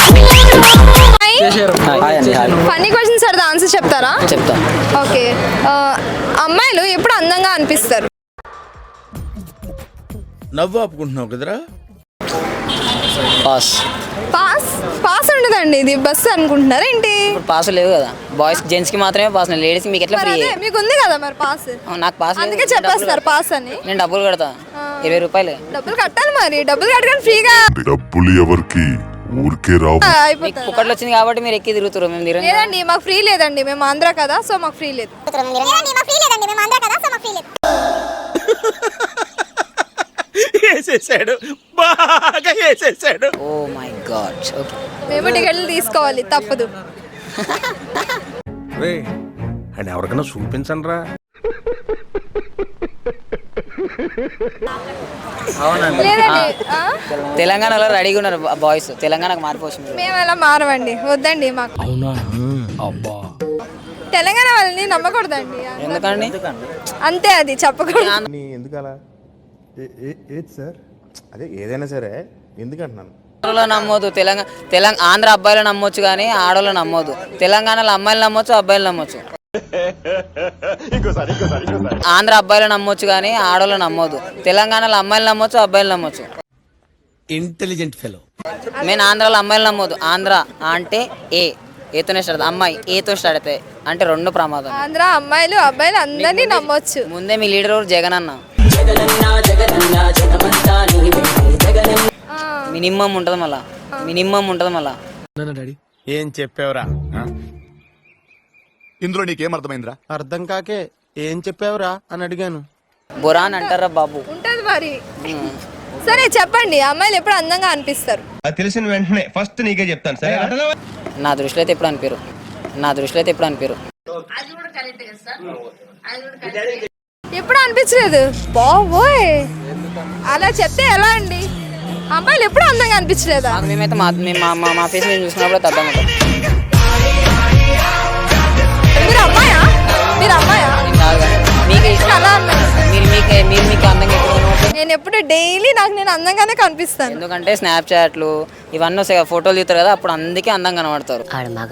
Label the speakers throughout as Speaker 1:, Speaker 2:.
Speaker 1: Funny questions అడితే answer చెప్తారా?
Speaker 2: చెప్తా.
Speaker 1: ఓకే, అమ్మాయిలు ఎప్పుడు అందంగా అనిపిస్తారు?
Speaker 3: నవ్వు ఆపుకుంటున్నావు కదరా.
Speaker 2: పాస్.
Speaker 1: పాస్ పాస్ ఉండదండి, ఇది బస్సు అనుకుంటున్నారా ఏంటి?
Speaker 2: ఇప్పుడు పాస్ లేవు కదా, బాయ్స్ జెంట్స్ కి మాత్రమే పాస్, లేడీస్ మీకు ఎట్లా ఫ్రీ?
Speaker 1: మీకు ఉంది కదా మరి పాస్.
Speaker 2: నాకు పాస్
Speaker 1: అందుకే చెప్పేస్తారు పాస్ అని.
Speaker 2: నేను డబ్బులు కడతా, 20 రూపాయలు.
Speaker 1: డబ్బులు కట్టాలి మరి, డబ్బులు కట్టడానికి ఫ్రీగా
Speaker 4: డబ్బులు ఎవరికి ఊరికే రావు.
Speaker 2: మీకు పుక్కట్లు వచ్చింది కాబట్టి మీరు ఎక్కి తిరుగుతారు, మేము తిరగం.
Speaker 1: లేదండి మాకు ఫ్రీ లేదండి, మేము ఆంధ్ర కదా సో మాకు ఫ్రీ లేదు.
Speaker 3: వేసేసాడు, బాగా వేసేసాడు.
Speaker 2: Oh my God. ఓకే,
Speaker 1: మేము టికెట్లు తీసుకోవాలి, తప్పదు.
Speaker 3: అండ్ ఎవరికైనా చూపించండి రా.
Speaker 1: లేదండి,
Speaker 2: తెలంగాణలో రెడీగా ఉన్నారు బాయ్స్, తెలంగాణకు మారిపోవచ్చు.
Speaker 1: మేము అలా మారవండి, వద్దండి మాకు. తెలంగాణ వాళ్ళని నమ్మకూడదండి.
Speaker 2: ఎందుకండి?
Speaker 1: అంతే, అది చెప్పకూడదు.
Speaker 5: ఎందుకలా? ఏది సార్? అదే ఏదైనా సరే ఎందుకంటున్నాను.
Speaker 2: ఆడవాళ్ళు నమ్మొద్దు, ఆంధ్ర అబ్బాయిలు నమ్మొచ్చు కానీ ఆడవాళ్ళు నమ్మొద్దు. తెలంగాణలో అమ్మాయిలు నమ్మొచ్చు, అబ్బాయిలు నమ్మొచ్చు. ఆంధ్ర అబ్బాయిలు నమ్మొచ్చు కానీ ఆడవాళ్ళు నమ్మొద్దు. తెలంగాణలో అమ్మాయిలు నమ్మొచ్చు, అబ్బాయిలు నమ్మొచ్చు.
Speaker 3: Intelligent fellow.
Speaker 2: నేను ఆంధ్రాలో అమ్మాయిలు నమ్మొద్దు. ఆంధ్ర అంటే ఏతోనే స్టార్ట్, అమ్మాయి ఏతో స్టార్ట్ అవుతాయి అంటే 2 ప్రమాదం.
Speaker 1: ఆంధ్ర అమ్మాయిలు అబ్బాయిలు అందరినీ నమ్మొచ్చు.
Speaker 2: ముందే మీ లీడర్ జగన్ అన్న, మినిమం ఉంటుంది మళ్ళా, మినిమం ఉంటుంది మళ్ళా.
Speaker 3: ఏం చెప్పావురా?
Speaker 5: ఇందులో నీకేం అర్థమైందిరా?
Speaker 6: అర్థం కాకే ఏం చెప్పావురా అని అడిగాను.
Speaker 2: బురా అని అంటారా బాబు?
Speaker 1: ఉంటది మరి. సరే చెప్పండి, అమ్మాయిలు ఎప్పుడు అందంగా అనిపిస్తారు?
Speaker 7: తెలిసిన వెంటనే ఫస్ట్ నీకే చెప్తాను సరే.
Speaker 2: నా దృష్టిలో అయితే ఎప్పుడు అనిపారు, నా దృష్టిలో అయితే ఎప్పుడు అనిపారు.
Speaker 1: ఎప్పుడు అనిపించలేదు బాబోయ్, అలా చెప్తే ఎలా అండి? అమ్మాయిలు ఎప్పుడు అందంగా అనిపించలేదా?
Speaker 2: మేమైతే మా ఫేస్ మేము చూసినప్పుడు అర్థం అవుతాం.
Speaker 1: మీరు అమ్మాయా? మీరు అమ్మాయా?
Speaker 2: మీకు
Speaker 1: అలా అన్నారు.
Speaker 2: మీరు మీకు అందంగా ఎప్పుడు కనబడతారు?
Speaker 1: నేను ఎప్పుడు డైలీ నాకు నేను అందంగానే కనిపిస్తాను.
Speaker 2: ఎందుకంటే స్నాప్చాట్లు ఇవన్నీ వస్తాయి, ఫోటోలు తీస్తారు కదా, అప్పుడు అందుకే అందంగా కనబడతారు.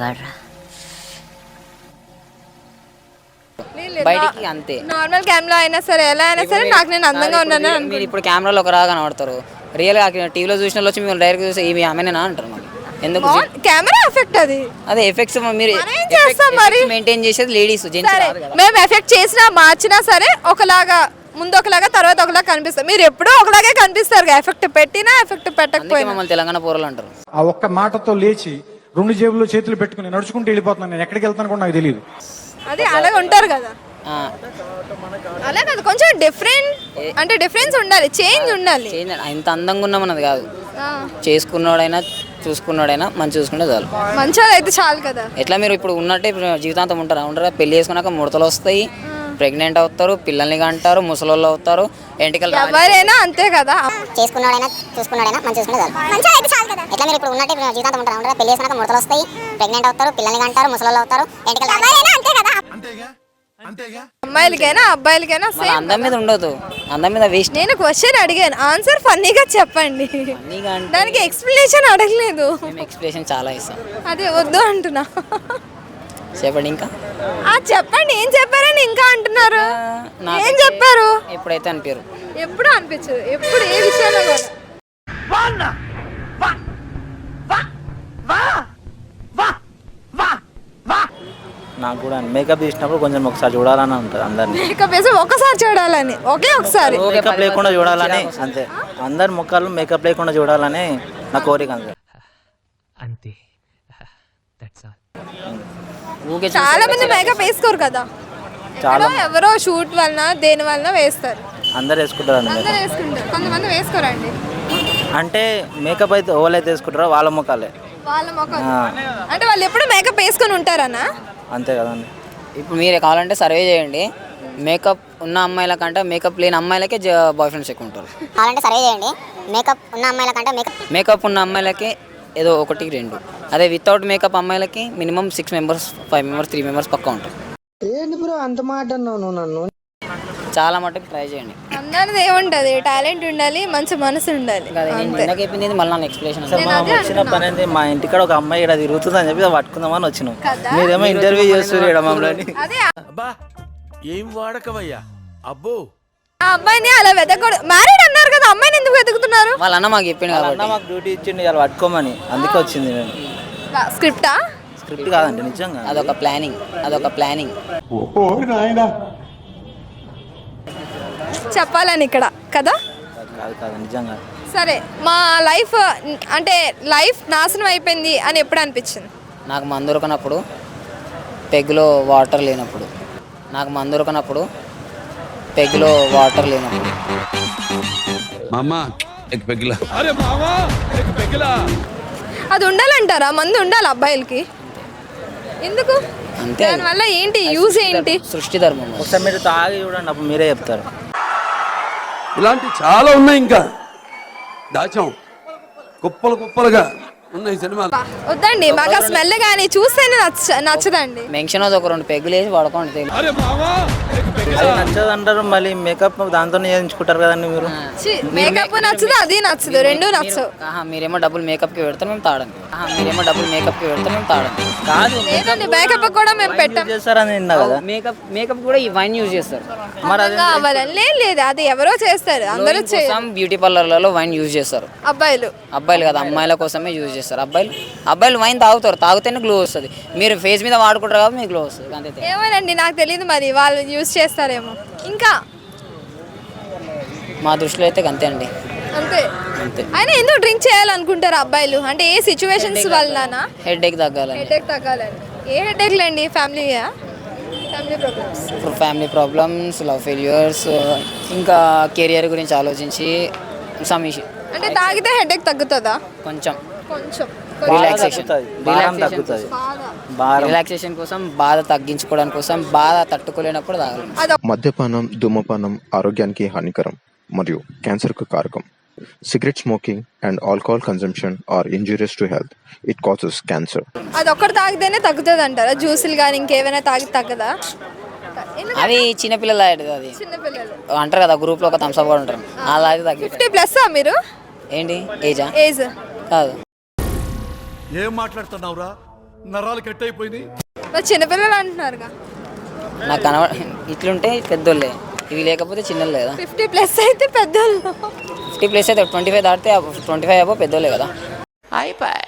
Speaker 2: బయటికి అంతే,
Speaker 1: నార్మల్ కెమెరా అయినా సరే ఎలా అయినా సరే నాకు నేను అందంగా ఉన్నాను.
Speaker 2: మీరు ఇప్పుడు కెమెరాలో ఒక రాగా కనబడతారు, రియల్గా టీవీలో చూసిన వాళ్ళు వచ్చి మీరు డైరెక్ట్ చూసి ఈమె ఆమెనేనా అంటారు. మరి ఎందుకు?
Speaker 1: కెమెరా ఎఫెక్ట్ అది.
Speaker 2: అదే ఎఫెక్ట్స్ మీరు
Speaker 1: ఏం చేస్తాం మరి?
Speaker 2: మెయింటైన్ చేసేది లేడీస్, జెంట్స్
Speaker 1: సరే
Speaker 2: కాదు కదా.
Speaker 1: మేము ఎఫెక్ట్ చేసినా మార్చినా సరే ఒకలాగా, ముందు ఒకలాగా తర్వాత ఒకలాగా కనిపిస్తాం. మీరు ఎప్పుడూ ఒకలాగే కనిపిస్తారు, ఎఫెక్ట్ పెట్టినా ఎఫెక్ట్
Speaker 2: అందుకే
Speaker 1: పెట్టకపోయినా.
Speaker 2: మమ్మల్ని తెలంగాణ పోరలు అంటారు.
Speaker 8: ఆ ఒక్క మాటతో లేచి 2 జేబుల్లో చేతులు పెట్టుకుని నడుచుకుంటూ వెళ్ళిపోతున్నాను. నేను ఎక్కడికి వెళ్తాను కూడా నాకు తెలియదు.
Speaker 1: అది అలాగే ఉంటారు కదా, అలా కాదు, కొంచెం డిఫరెంట్ అంటే డిఫరెన్స్ ఉండాలి, చేంజ్ ఉండాలి.
Speaker 2: ఇంత అందంగా ఉన్నామన్నది కాదు, చేసుకున్నాడైనా చూసుకున్నాడైనా మంచి చూసుకుంటే చాలు.
Speaker 1: మంచిగా అయితే చాలు కదా.
Speaker 2: ఎట్లా మీరు ఇప్పుడు ఉన్నట్టే జీవితాంతం ఉంటారా? ఉంటారా? పెళ్లి చేసుకున్నాక ముడతలు వస్తాయి, ప్రెగ్నెంట్ అవుతారు, పిల్లల్ని కంటారు, ముసలోళ్ళు అవుతారు, ఎంటికలు.
Speaker 1: ఎవరైనా అంతే కదా.
Speaker 9: చేసుకున్నాడైనా చూసుకున్నాడైనా మంచి చూసుకుంటే చాలు. మంచిగా అయితే చాలు కదా. ఎట్లా మీరు ఇప్పుడు ఉన్నట్టే జీవితాంతం ఉంటారా? పెళ్లి చేసుకున్నాక ముడతలు వస్తాయి, ప్రెగ్నెంట్ అవుతారు, పిల్లల్ని కంటారు, ముసలోళ్ళు అవుతారు, ఎంటికలు. ఎవరైనా అంతే కదా.
Speaker 1: అమ్మాయిలకైనా అబ్బాయిలకైనా సేమ్.
Speaker 2: అందం మీద ఉండదు, అందం మీద వేస్ట్.
Speaker 1: నేను క్వశ్చన్ అడిగాను, ఆన్సర్ ఫన్నీగా చెప్పండి. దానికి ఎక్స్ప్లెనేషన్ అడగలేదు.
Speaker 2: ఎక్స్ప్లెనేషన్ చాలా ఇస్తాం,
Speaker 1: అదే వద్దు అంటున్నా.
Speaker 2: చెప్పండి ఇంకా.
Speaker 1: చెప్పండి, ఏం చెప్పారని ఇంకా అంటున్నారు? ఏం చెప్పారు?
Speaker 2: ఎప్పుడైతే అనిపారు,
Speaker 1: ఎప్పుడు అనిపించదు, ఎప్పుడు ఏ విషయంలో కూడా.
Speaker 10: నాకు కూడా మేకప్ చేసినప్పుడు కొంచెం ఒకసారి చూడాలని ఉంటుంది అందరినీ.
Speaker 1: మేకప్ వేసి ఒకసారి చూడాలని, ఒకసారి
Speaker 10: మేకప్ లేకుండా చూడాలని, అంతే. అందరి ముఖాలు మేకప్ లేకుండా చూడాలని నా కోరిక అంతే.
Speaker 1: చాలా మంది మేకప్ వేసుకోరు కదా, చాలా ఎవరో షూట్ వలన దేని వలన వేస్తారు.
Speaker 10: అందరు వేసుకుంటారు,
Speaker 1: అందరూ వేసుకుంటారు, కొంతమంది వేసుకోరండి.
Speaker 10: అంటే మేకప్ అయితే ఎవరైతే వేసుకుంటారో వాళ్ళ ముఖాలే,
Speaker 1: వాళ్ళ ముఖం అంటే వాళ్ళు ఎప్పుడు మేకప్ వేసుకొని ఉంటారనా?
Speaker 10: అంతే కదండి.
Speaker 2: ఇప్పుడు మీరు కావాలంటే సర్వే చేయండి, మేకప్ ఉన్న అమ్మాయిల కంటే మేకప్ లేని అమ్మాయిలకే బాయ్ ఫ్రెండ్స్ ఎక్కువ ఉంటారు.
Speaker 9: కావాలంటే సర్వే చేయండి, మేకప్ ఉన్న అమ్మాయిల కంటే
Speaker 2: మేకప్ ఉన్న అమ్మాయిలకి ఏదో 1, 2. అదే వితౌట్ మేకప్ అమ్మాయిలకి మినిమం 6 మెంబర్స్, 5 మెంబర్స్, 3 మెంబర్స్ పక్కా ఉంటారు.
Speaker 6: ఏంటి బ్రో అంత మాట అన్నావు నన్ను?
Speaker 2: చాలా మటుకు ట్రై చేయండి.
Speaker 1: అందరిది ఏముంటది, టాలెంట్ ఉండాలి, మంచి మనసు ఉండాలి.
Speaker 2: కదా నేను ఇందాక చెప్పింది మళ్ళీ నన్ను ఎక్స్ప్లెనేషన్
Speaker 10: అసలు మనం వచ్చిన పని ఏంది, మా ఇంటికాడ ఒక అమ్మాయి ఇక్కడ తిరుగుతుంది అని చెప్పి పట్టుకుందామని వచ్చినాం. మీరేమో ఇంటర్వ్యూ చేస్తారు ఇక్కడ మమ్మల్ని.
Speaker 1: అదే
Speaker 3: అబ్బా ఏం వాడకవయ్యా అబ్బో.
Speaker 1: ఆ అబ్బాయిని అలా వెతకూడదు. మ్యారీడ్ అన్నారు కదా, అమ్మాయిని ఎందుకు వెతుకుతున్నారు?
Speaker 2: వాళ్ళ అన్న మాకు చెప్పింది
Speaker 10: అన్న
Speaker 2: కాబట్టి
Speaker 10: మాకు డ్యూటీ ఇచ్చిండి ఇలా పట్టుకోమని, అందుకే వచ్చింది మేము.
Speaker 1: స్క్రిప్టా?
Speaker 10: స్క్రిప్ట్ కాదండి, నిజంగా
Speaker 2: అదొక ప్లానింగ్.
Speaker 1: చెప్పాలని ఇక్కడ కదా.
Speaker 10: కాదు నిజంగా.
Speaker 1: సరే, మా లైఫ్ అంటే లైఫ్ నాశనం అయిపోయింది అని ఎప్పుడు అనిపించింది?
Speaker 2: నాకు మందు ఉరకనప్పుడు, పెగ్గులో వాటర్ లేనప్పుడు.
Speaker 1: అది ఉండాలంటారా? మందు ఉండాలి అబ్బాయిలకి? ఎందుకు?
Speaker 2: అంతే.
Speaker 1: దానివల్ల ఏంటి యూజ్ ఏంటి?
Speaker 2: సృష్టి ధర్మం.
Speaker 10: ఒకసారి మీరు తాగి చూడండి, అప్పుడు మీరే చెప్తారు.
Speaker 3: ఇలాంటి చాలా ఉన్నాయి, ఇంకా దాచాం కుప్పలుగా ఉన్నాయి సినిమాలు.
Speaker 1: వద్దండి, మాకు ఆ స్మెల్ కానీ చూస్తేనే నచ్చదండి.
Speaker 2: మెన్షన్ అది ఒక 2 పెగ్గులు వేసి పడుకోండి తెలుగు.
Speaker 10: అది నచ్చదు అంటారు, మళ్ళీ మేకప్ దాంతో చేయించుకుంటారు కదండి మీరు.
Speaker 1: మేకప్ నచ్చదు, అది నచ్చదు, రెండు నచ్చవు.
Speaker 2: మీరేమో డబ్బులు మేకప్కి పెడతాం, మేము తాడండి.
Speaker 10: కాదు
Speaker 1: లేదండి, మేకప్ కూడా మేము పెట్టాం.
Speaker 10: చేస్తారని విన్నా కదా.
Speaker 2: మేకప్ కూడా ఈ వైన్ యూజ్ చేస్తారు.
Speaker 10: మరి అది
Speaker 1: కావాలని లేదు, అది ఎవరో చేస్తారు, అందరూ
Speaker 2: బ్యూటీ పార్లర్లలో వైన్ యూజ్ చేస్తారు.
Speaker 1: అబ్బాయిలు
Speaker 2: కదా, అమ్మాయిల కోసమే యూజ్ చేస్తారు. అబ్బాయిలు వైన్ తాగితేనే గ్లో వస్తుంది. మీరు ఫేస్ మీద వాడుకుంటారు కాబట్టి మీకు గ్లో వస్తుంది అంతే.
Speaker 1: ఏమోనండి, నాకు తెలియదు, మరి వాళ్ళు యూజ్ చేస్తారేమో. ఇంకా
Speaker 2: మా దృష్టిలో అయితే అంతే అండి.
Speaker 1: అంతే. అయినా ఎందుకు డ్రింక్ చేయాలనుకుంటారు అబ్బాయిలు? అంటే ఏ సిచ్యువేషన్స్ వల్ల?
Speaker 2: హెడేక్ తగ్గాలని.
Speaker 1: ఏ హెడేక్ లేండి? ఫ్యామిలీ
Speaker 2: ప్రాబ్లమ్స్, లవ్ ఫెయిల్యూర్స్, ఇంకా కెరియర్ గురించి ఆలోచించి సమీషి.
Speaker 1: అంటే తాగితే హెడేక్ తగ్గుతుందా?
Speaker 2: కొంచెం రిలాక్సేషన్ కోసం, బాధ తగ్గించుకోవడానికి కోసం, బాధ తట్టుకోలేనప్పుడు తాగాలి.
Speaker 5: మద్యపానం, ధూమపానం ఆరోగ్యానికి హానికరం మరియు క్యాన్సర్కు కారకం. Cigarette smoking and alcohol consumption are injurious to health. It causes cancer.
Speaker 1: అది ఒక్కటి తాగితేనే తగ్గుతుంది అంటారా? జ్యూసులు కానీ ఇంకేమైనా తాగి తగ్గదా?
Speaker 2: అది చిన్నపిల్లలు అది
Speaker 1: చిన్నపిల్లలు
Speaker 2: అంటారు కదా, గ్రూప్ లో ఒక థమ్స్ అప్ కూడా ఉంటారు, అలా తగ్గి.
Speaker 1: 50+ మీరు?
Speaker 2: ఏంటి ఏజ్ కాదు.
Speaker 3: ఏం మాట్లాడుతున్నావురా, నరాలు కట్ అయిపోయింది.
Speaker 1: చిన్నపిల్లలు అంటున్నారుగా.
Speaker 2: నాకు ఇట్లుంటే పెద్దోళ్ళే, ఇవి లేకపోతే చిన్నోళ్ళు కదా.
Speaker 1: 50+ అయితే పెద్దోళ్ళు.
Speaker 2: 50+ అయితే 25 దాటితే 25 అబ్బో పెద్దోళ్ళే కదా.